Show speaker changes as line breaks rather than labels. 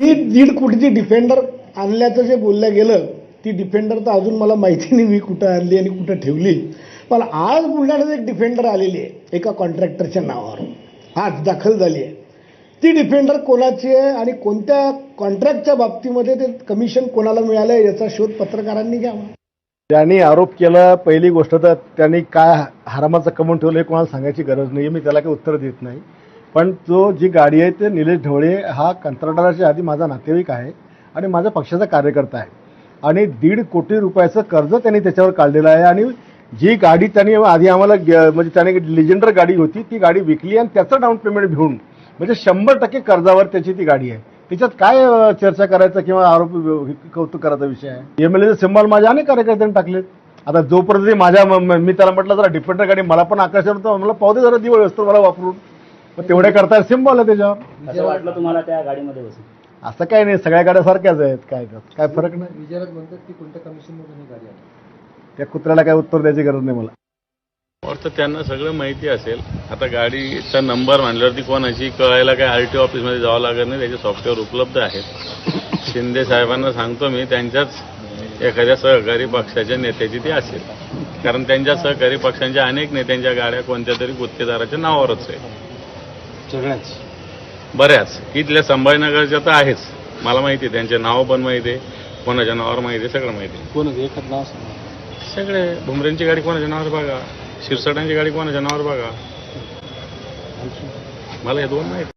ही 1.5 कोटीची डिफेंडर आणल्याचं जे बोललं गेलं, ती डिफेंडर तर अजून मला माहिती नाही मी कुठं आणली आणि कुठं ठेवली. पण आज बुलढाण्यात एक डिफेंडर आलेली आहे एका कॉन्ट्रॅक्टरच्या नावावर, आज दाखल झाली आहे. ती डिफेंडर कोणाची आहे आणि कोणत्या कॉन्ट्रॅक्टच्या बाबतीमध्ये ते कमिशन कोणाला मिळालं याचा शोध पत्रकारांनी घ्यावा.
त्यांनी आरोप केला, पहिली गोष्ट तर त्यांनी काय हरामाचं कमवून ठेवलं हे कोणाला सांगायची गरज नाही, मी त्याला काही उत्तर देत नाही. पण तो जी गाडी आहे ते निलेश ढवळे हा कंत्राटदाराच्या आधी माझा नातेवाईक आहे आणि माझ्या पक्षाचा कार्यकर्ता आहे आणि 1.5 कोटी रुपयाचं कर्ज त्यांनी त्याच्यावर काढलेलं आहे. आणि जी गाडी त्यांनी आधी आम्हाला म्हणजे त्याने लिजेंडर गाडी होती ती गाडी विकली आणि त्याचं डाऊन पेमेंट घेऊन म्हणजे 100% कर्जावर त्याची ती गाडी आहे. त्याच्यात काय चर्चा करायचा किंवा आरोप कौतुक करायचा विषय आहे. एमएलएचे सिम्बॉल माझ्या अनेक कार्यकर्त्यांनी टाकलेत. आता जोपर्यंत माझ्या मी त्याला म्हटलं जरा डिफेंडर गाडी मला पण आकर्षण होतं, मला पाहू दे जरा दिवळ असतो मला वापरून, मग तेवढे करता सिम्बॉल आहे त्याच्यावर.
असं वाटलं तुम्हाला त्या गाडीमध्ये बसून?
असं काही नाही, सगळ्या गाड्या सारख्याच आहेत, काय फरक नाही.
विचारक म्हणतात की कोणत्या कमिशनमधून ही गाडी आली?
त्या कुत्र्याला काय उत्तर द्यायची गरज नाही मला.
तर त्यांना सगळं माहिती असेल. आता गाडीचा नंबर म्हणल्यावरती कोणाची कळायला काय आरटीओ ऑफिसमध्ये जावं लागत नाही, त्याचे सॉफ्टवेअर उपलब्ध आहेत. शिंदे साहेबांना सांगतो मी, त्यांच्याच एखाद्या सहकारी पक्षाच्या नेत्याची ती असेल, कारण त्यांच्या सहकारी पक्षांच्या अनेक नेत्यांच्या गाड्या कोणत्या तरी गुत्तेदाराच्या नावावरच आहे.
सगळ्याच
बऱ्याच इथल्या संभाजीनगरच्या तर आहेच, मला माहिती आहे, त्यांचे नाव पण माहिती आहे, कोणाच्या नावावर माहिती आहे, सगळं माहिती आहे.
कोण एखाद नाव
सगळे भुमरेंची गाडी कोणाच्या नावावर बघा, शिरसाटांची गाडी कोणाच्या नावावर बघा, मला हे दोन माहिती.